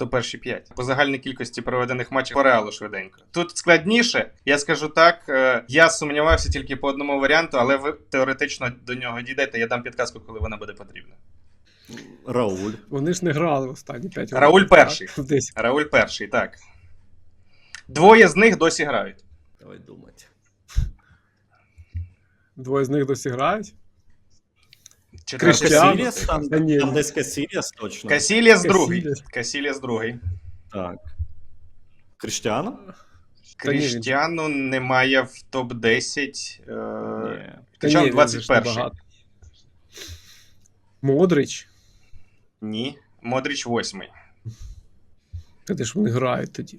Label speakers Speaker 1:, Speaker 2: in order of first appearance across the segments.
Speaker 1: хто перші 5. По загальній кількості проведених матчів по Реалу швиденько. Тут складніше, я скажу так, я сумнівався тільки по одному варіанту, але ви теоретично до нього дійдете, я дам підказку, коли вона буде потрібна.
Speaker 2: Рауль.
Speaker 3: Вони ж не грали в останні 5 років.
Speaker 1: Рауль перший.
Speaker 3: Десь.
Speaker 1: Рауль перший, так. Двоє з них досі грають.
Speaker 2: Давай думати.
Speaker 3: Двоє з них досі грають?
Speaker 1: Четвертий
Speaker 3: Криштіану?
Speaker 2: Касіліас, там,
Speaker 3: Та ні.
Speaker 2: там десь Касіліас точно.
Speaker 1: Касіліас другий.
Speaker 3: Касіліас.
Speaker 1: Касіліас другий.
Speaker 2: Так. Кріштіану?
Speaker 3: Та ні, він-
Speaker 1: Кріштіану немає в топ-10.
Speaker 2: Ні.
Speaker 1: Хоча
Speaker 3: ні,
Speaker 1: в
Speaker 3: він
Speaker 1: 21-й.
Speaker 3: же ж набагато. Модрич?
Speaker 1: Ні. Модріч 8-й.
Speaker 3: Та де ж вони грають тоді?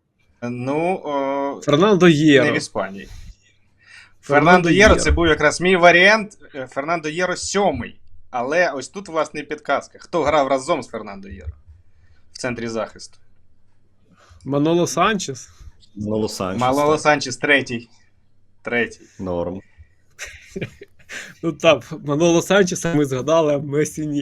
Speaker 1: Ну,
Speaker 3: Фернандо
Speaker 1: не
Speaker 3: Єро.
Speaker 1: в Іспанії. Фернандо Єро це був якраз мій варіант. Фернандо Єро 7-й. Але ось тут, власне, і підказка. Хто грав разом з Фернандо Єро в центрі захисту?
Speaker 3: Маноло Санчес?
Speaker 2: Маноло Санчес.
Speaker 1: Малоло
Speaker 2: так.
Speaker 1: Санчес 3-й. 3-й.
Speaker 2: Норм.
Speaker 3: Ну так, Маноло Санчеса ми згадали, а Месі ні.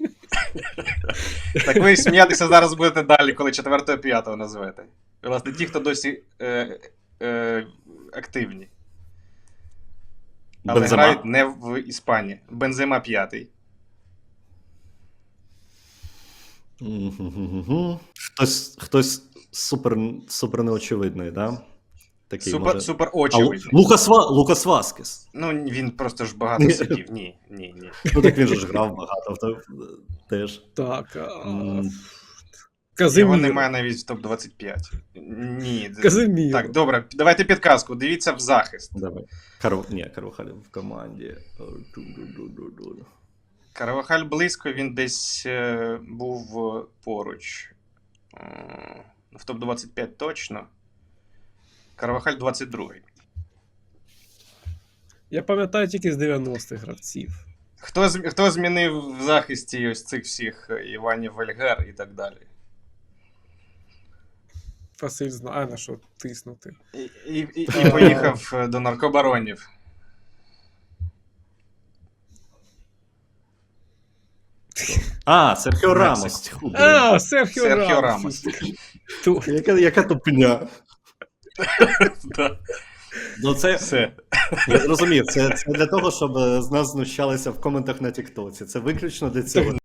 Speaker 1: Так ви сміятися зараз будете далі, коли 4-5 назвете. Власне, ті, хто досі активні. Але
Speaker 2: Бензема?
Speaker 1: грають не в Іспанії. Бензема 5-й.
Speaker 2: Мгм. Хтось супер неочевидний, да? Такий, може...
Speaker 1: Супер очевидний.
Speaker 2: Лукас Васкес.
Speaker 1: Ну, він просто ж багато сидів. Ні.
Speaker 2: Ну так він же ж грав багато, теж.
Speaker 3: Так.
Speaker 2: М.
Speaker 1: Його
Speaker 3: Казиміро.
Speaker 1: немає навіть в топ-25. Ні.
Speaker 3: Казиміро.
Speaker 1: Так, добре, давайте підказку. Дивіться в захист.
Speaker 2: Давай. Карвахаль в команді.
Speaker 1: Карвахаль близько, він десь був поруч. В топ-25 точно. Карвахаль 22-й.
Speaker 3: Я пам'ятаю тільки з 90-х гравців.
Speaker 1: Хто змінив в захисті ось цих всіх Іванів Вельгер і так далі?
Speaker 3: Василь знає, на що тиснути.
Speaker 1: І поїхав до наркобаронів.
Speaker 2: Серхіо Рамос.
Speaker 3: Серхіо
Speaker 1: Серхіо
Speaker 3: Рамос.
Speaker 1: Рамос.
Speaker 2: Яка тупня.
Speaker 1: Да.
Speaker 2: Ну це,
Speaker 1: Все.
Speaker 2: я розумію, це для того, щоб з нас знущалися в коментах на Тіктоці. Це виключно для цього.